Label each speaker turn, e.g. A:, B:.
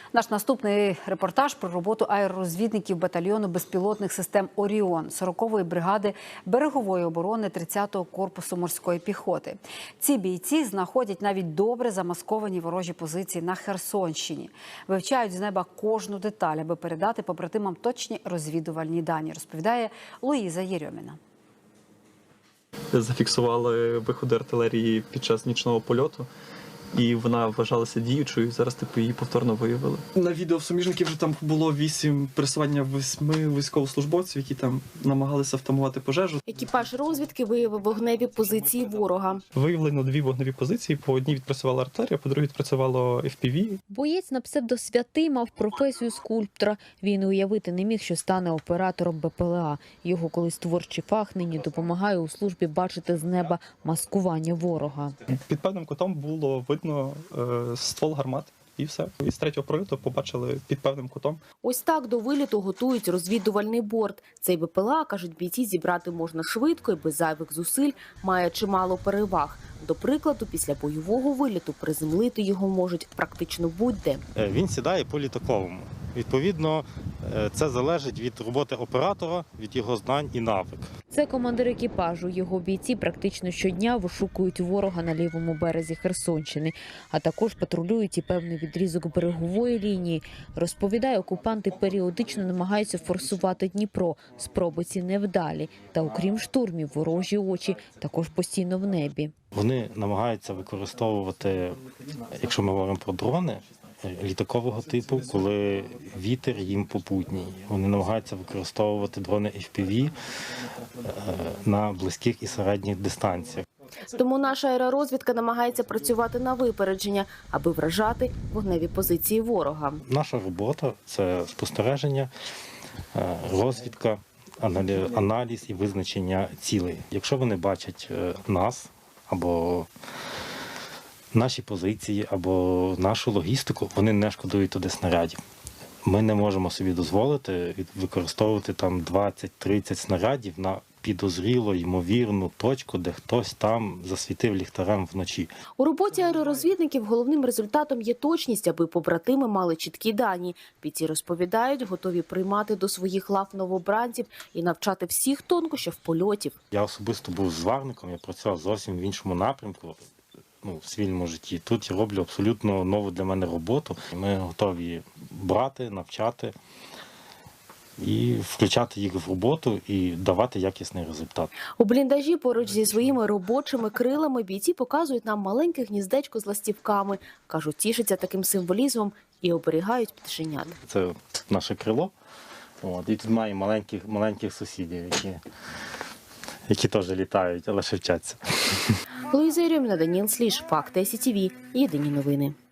A: Наш наступний репортаж про роботу аеророзвідників батальйону безпілотних систем «Оріон» 40-ї бригади берегової оборони 30-го корпусу морської піхоти. Ці бійці знаходять навіть добре замасковані ворожі позиції на Херсонщині. Вивчають з неба кожну деталь, аби передати побратимам точні розвідувальні дані, розповідає Луїза Єрьоміна.
B: Зафіксували виходи артилерії під час нічного польоту. І вона вважалася діючою, зараз її повторно виявили. На відео в суміжників вже там було пересування 8 військовослужбовців, які там намагалися втамувати пожежу.
C: Екіпаж розвідки виявив вогневі позиції ворога.
B: Виявлено 2 вогневі позиції, по одній відпрацювала артилерія, по другій відпрацювало FPV.
D: Боєць на псевдосвятий мав професію скульптора. Він і уявити не міг, що стане оператором БПЛА. Його колись творчий фах нині допомагає у службі бачити з неба маскування ворога.
B: Під певним кутом було видно ствол гармат. І все. Із 3-го прольоту побачили під певним кутом.
C: Ось так до виліту готують розвідувальний борт. Цей БПЛА, кажуть бійці, зібрати можна швидко і без зайвих зусиль, має чимало переваг. До прикладу, після бойового виліту приземлити його можуть практично будь-де.
E: Він сідає по літаковому. Відповідно, це залежить від роботи оператора, від його знань і навик.
D: Це командир екіпажу. Його бійці практично щодня вишукують ворога на лівому березі Херсонщини, а також патрулюють і певний відрізок берегової лінії. Розповідає, окупанти періодично намагаються форсувати Дніпро. Спроби ці невдалі. Та окрім штурмів, ворожі очі також постійно в небі.
E: Вони намагаються використовувати, якщо ми говоримо про дрони, літакового типу, коли вітер їм попутній. Вони намагаються використовувати дрони FPV на близьких і середніх дистанціях.
C: Тому наша аеророзвідка намагається працювати на випередження, аби вражати вогневі позиції ворога.
E: Наша робота – це спостереження, розвідка, аналіз і визначення цілей. Якщо вони бачать нас або наші позиції або нашу логістику, вони не шкодують туди снарядів. Ми не можемо собі дозволити використовувати там 20-30 снарядів на підозріло, ймовірну точку, де хтось там засвітив ліхтарем вночі.
C: У роботі аеророзвідників головним результатом є точність, аби побратими мали чіткі дані. Бійці розповідають, готові приймати до своїх лав новобранців і навчати всіх тонкощів польотів.
E: Я особисто був зварником, я працював зовсім в іншому напрямку. В цивільному житті. Тут я роблю абсолютно нову для мене роботу. Ми готові брати, навчати і включати їх в роботу і давати якісний результат.
C: У бліндажі поруч зі своїми робочими крилами бійці показують нам маленьке гніздечко з ластівками. Кажуть, тішаться таким символізмом і оберігають пташенят.
E: Це наше крило. І тут має маленьких сусідів, які теж літають, але ще вчаться.
C: Луїза Єрьоміна, Даніл Сліж, Факти СІТВ. Єдині новини.